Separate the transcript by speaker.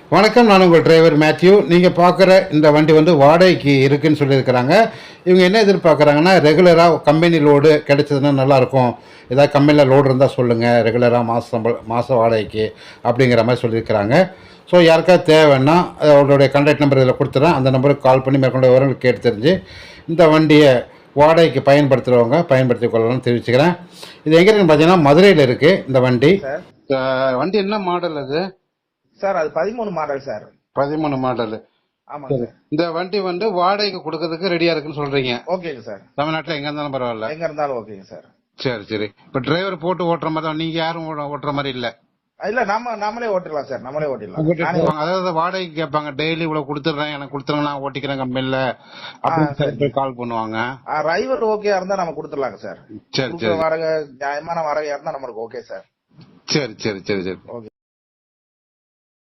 Speaker 1: வணக்கம், நான் உங்கள் டிரைவர் மேத்யூ. நீங்கள் பார்க்குற இந்த வண்டி வந்து வாடகைக்கு இருக்குன்னு சொல்லியிருக்கிறாங்க. இவங்க என்ன எதிர்பார்க்குறாங்கன்னா, ரெகுலராக கம்பெனி லோடு கிடைச்சதுன்னா நல்லாயிருக்கும். ஏதாவது கம்பெனியில் லோடு இருந்தால் சொல்லுங்கள், ரெகுலராக மாதம் வாடகைக்கு அப்படிங்கிற மாதிரி சொல்லியிருக்கிறாங்க. ஸோ யாருக்காவது தேவைன்னா அவருடைய கான்டாக்ட் நம்பர் இதில் கொடுத்துட்றேன். அந்த நம்பருக்கு கால் பண்ணி மேற்கொண்ட விவரங்கள் கேட்டு தெரிஞ்சு இந்த வண்டியை வாடகைக்கு பயன்படுத்துகிறவங்க பயன்படுத்தி கொள்ளலாம்னு தெரிவிச்சுக்கிறேன். இது எங்கே இருக்குன்னு பார்த்தீங்கன்னா மதுரையில் இருக்குது இந்த வண்டி.
Speaker 2: சார்
Speaker 1: வண்டி என்ன மாடல் அது?
Speaker 2: சார் அது 13 மாடல் சார்.
Speaker 1: 13 மாடல்.
Speaker 2: ஆமாங்க சார்.
Speaker 1: இந்த வண்டி வந்து வாடகைக்கு கொடுக்கறதுக்கு ரெடியா இருக்குன்னு சொல்றீங்க.
Speaker 2: ஓகேங்க சார்.
Speaker 1: தமிழ்நாட்டுல எங்க இருந்தாலும் பரவாயில்ல.
Speaker 2: எங்க இருந்தாலும் ஓகேங்க சார்.
Speaker 1: சரி சரி. இப்ப டிரைவர் போட்டு ஓட்டுற மாதிரி தான், நீங்க யாரும் ஓட்டுற மாதிரி இல்ல?
Speaker 2: இல்ல நம்மளே ஓட்டிடலாம் சார். நம்மளே ஓட்டிடலாம்.
Speaker 1: அதாவது வாடகைக்கு கேட்பாங்க, டெய்லி இவ்வளவு கொடுத்துறேன், எனக்கு கொடுத்துருங்க, நான் ஓட்டிக்கிறேன் கம்பெனில அப்படின்னு கால் பண்ணுவாங்க.
Speaker 2: டிரைவர் ஓகேயா இருந்தா நம்ம கொடுத்துடலாங்க சார்.
Speaker 1: சரி சரி.
Speaker 2: வாடகை நியாயமான வாடகையா இருந்தா நம்மளுக்கு ஓகே சார்.
Speaker 1: சரி சரி சரி சரி.
Speaker 2: ஓகே.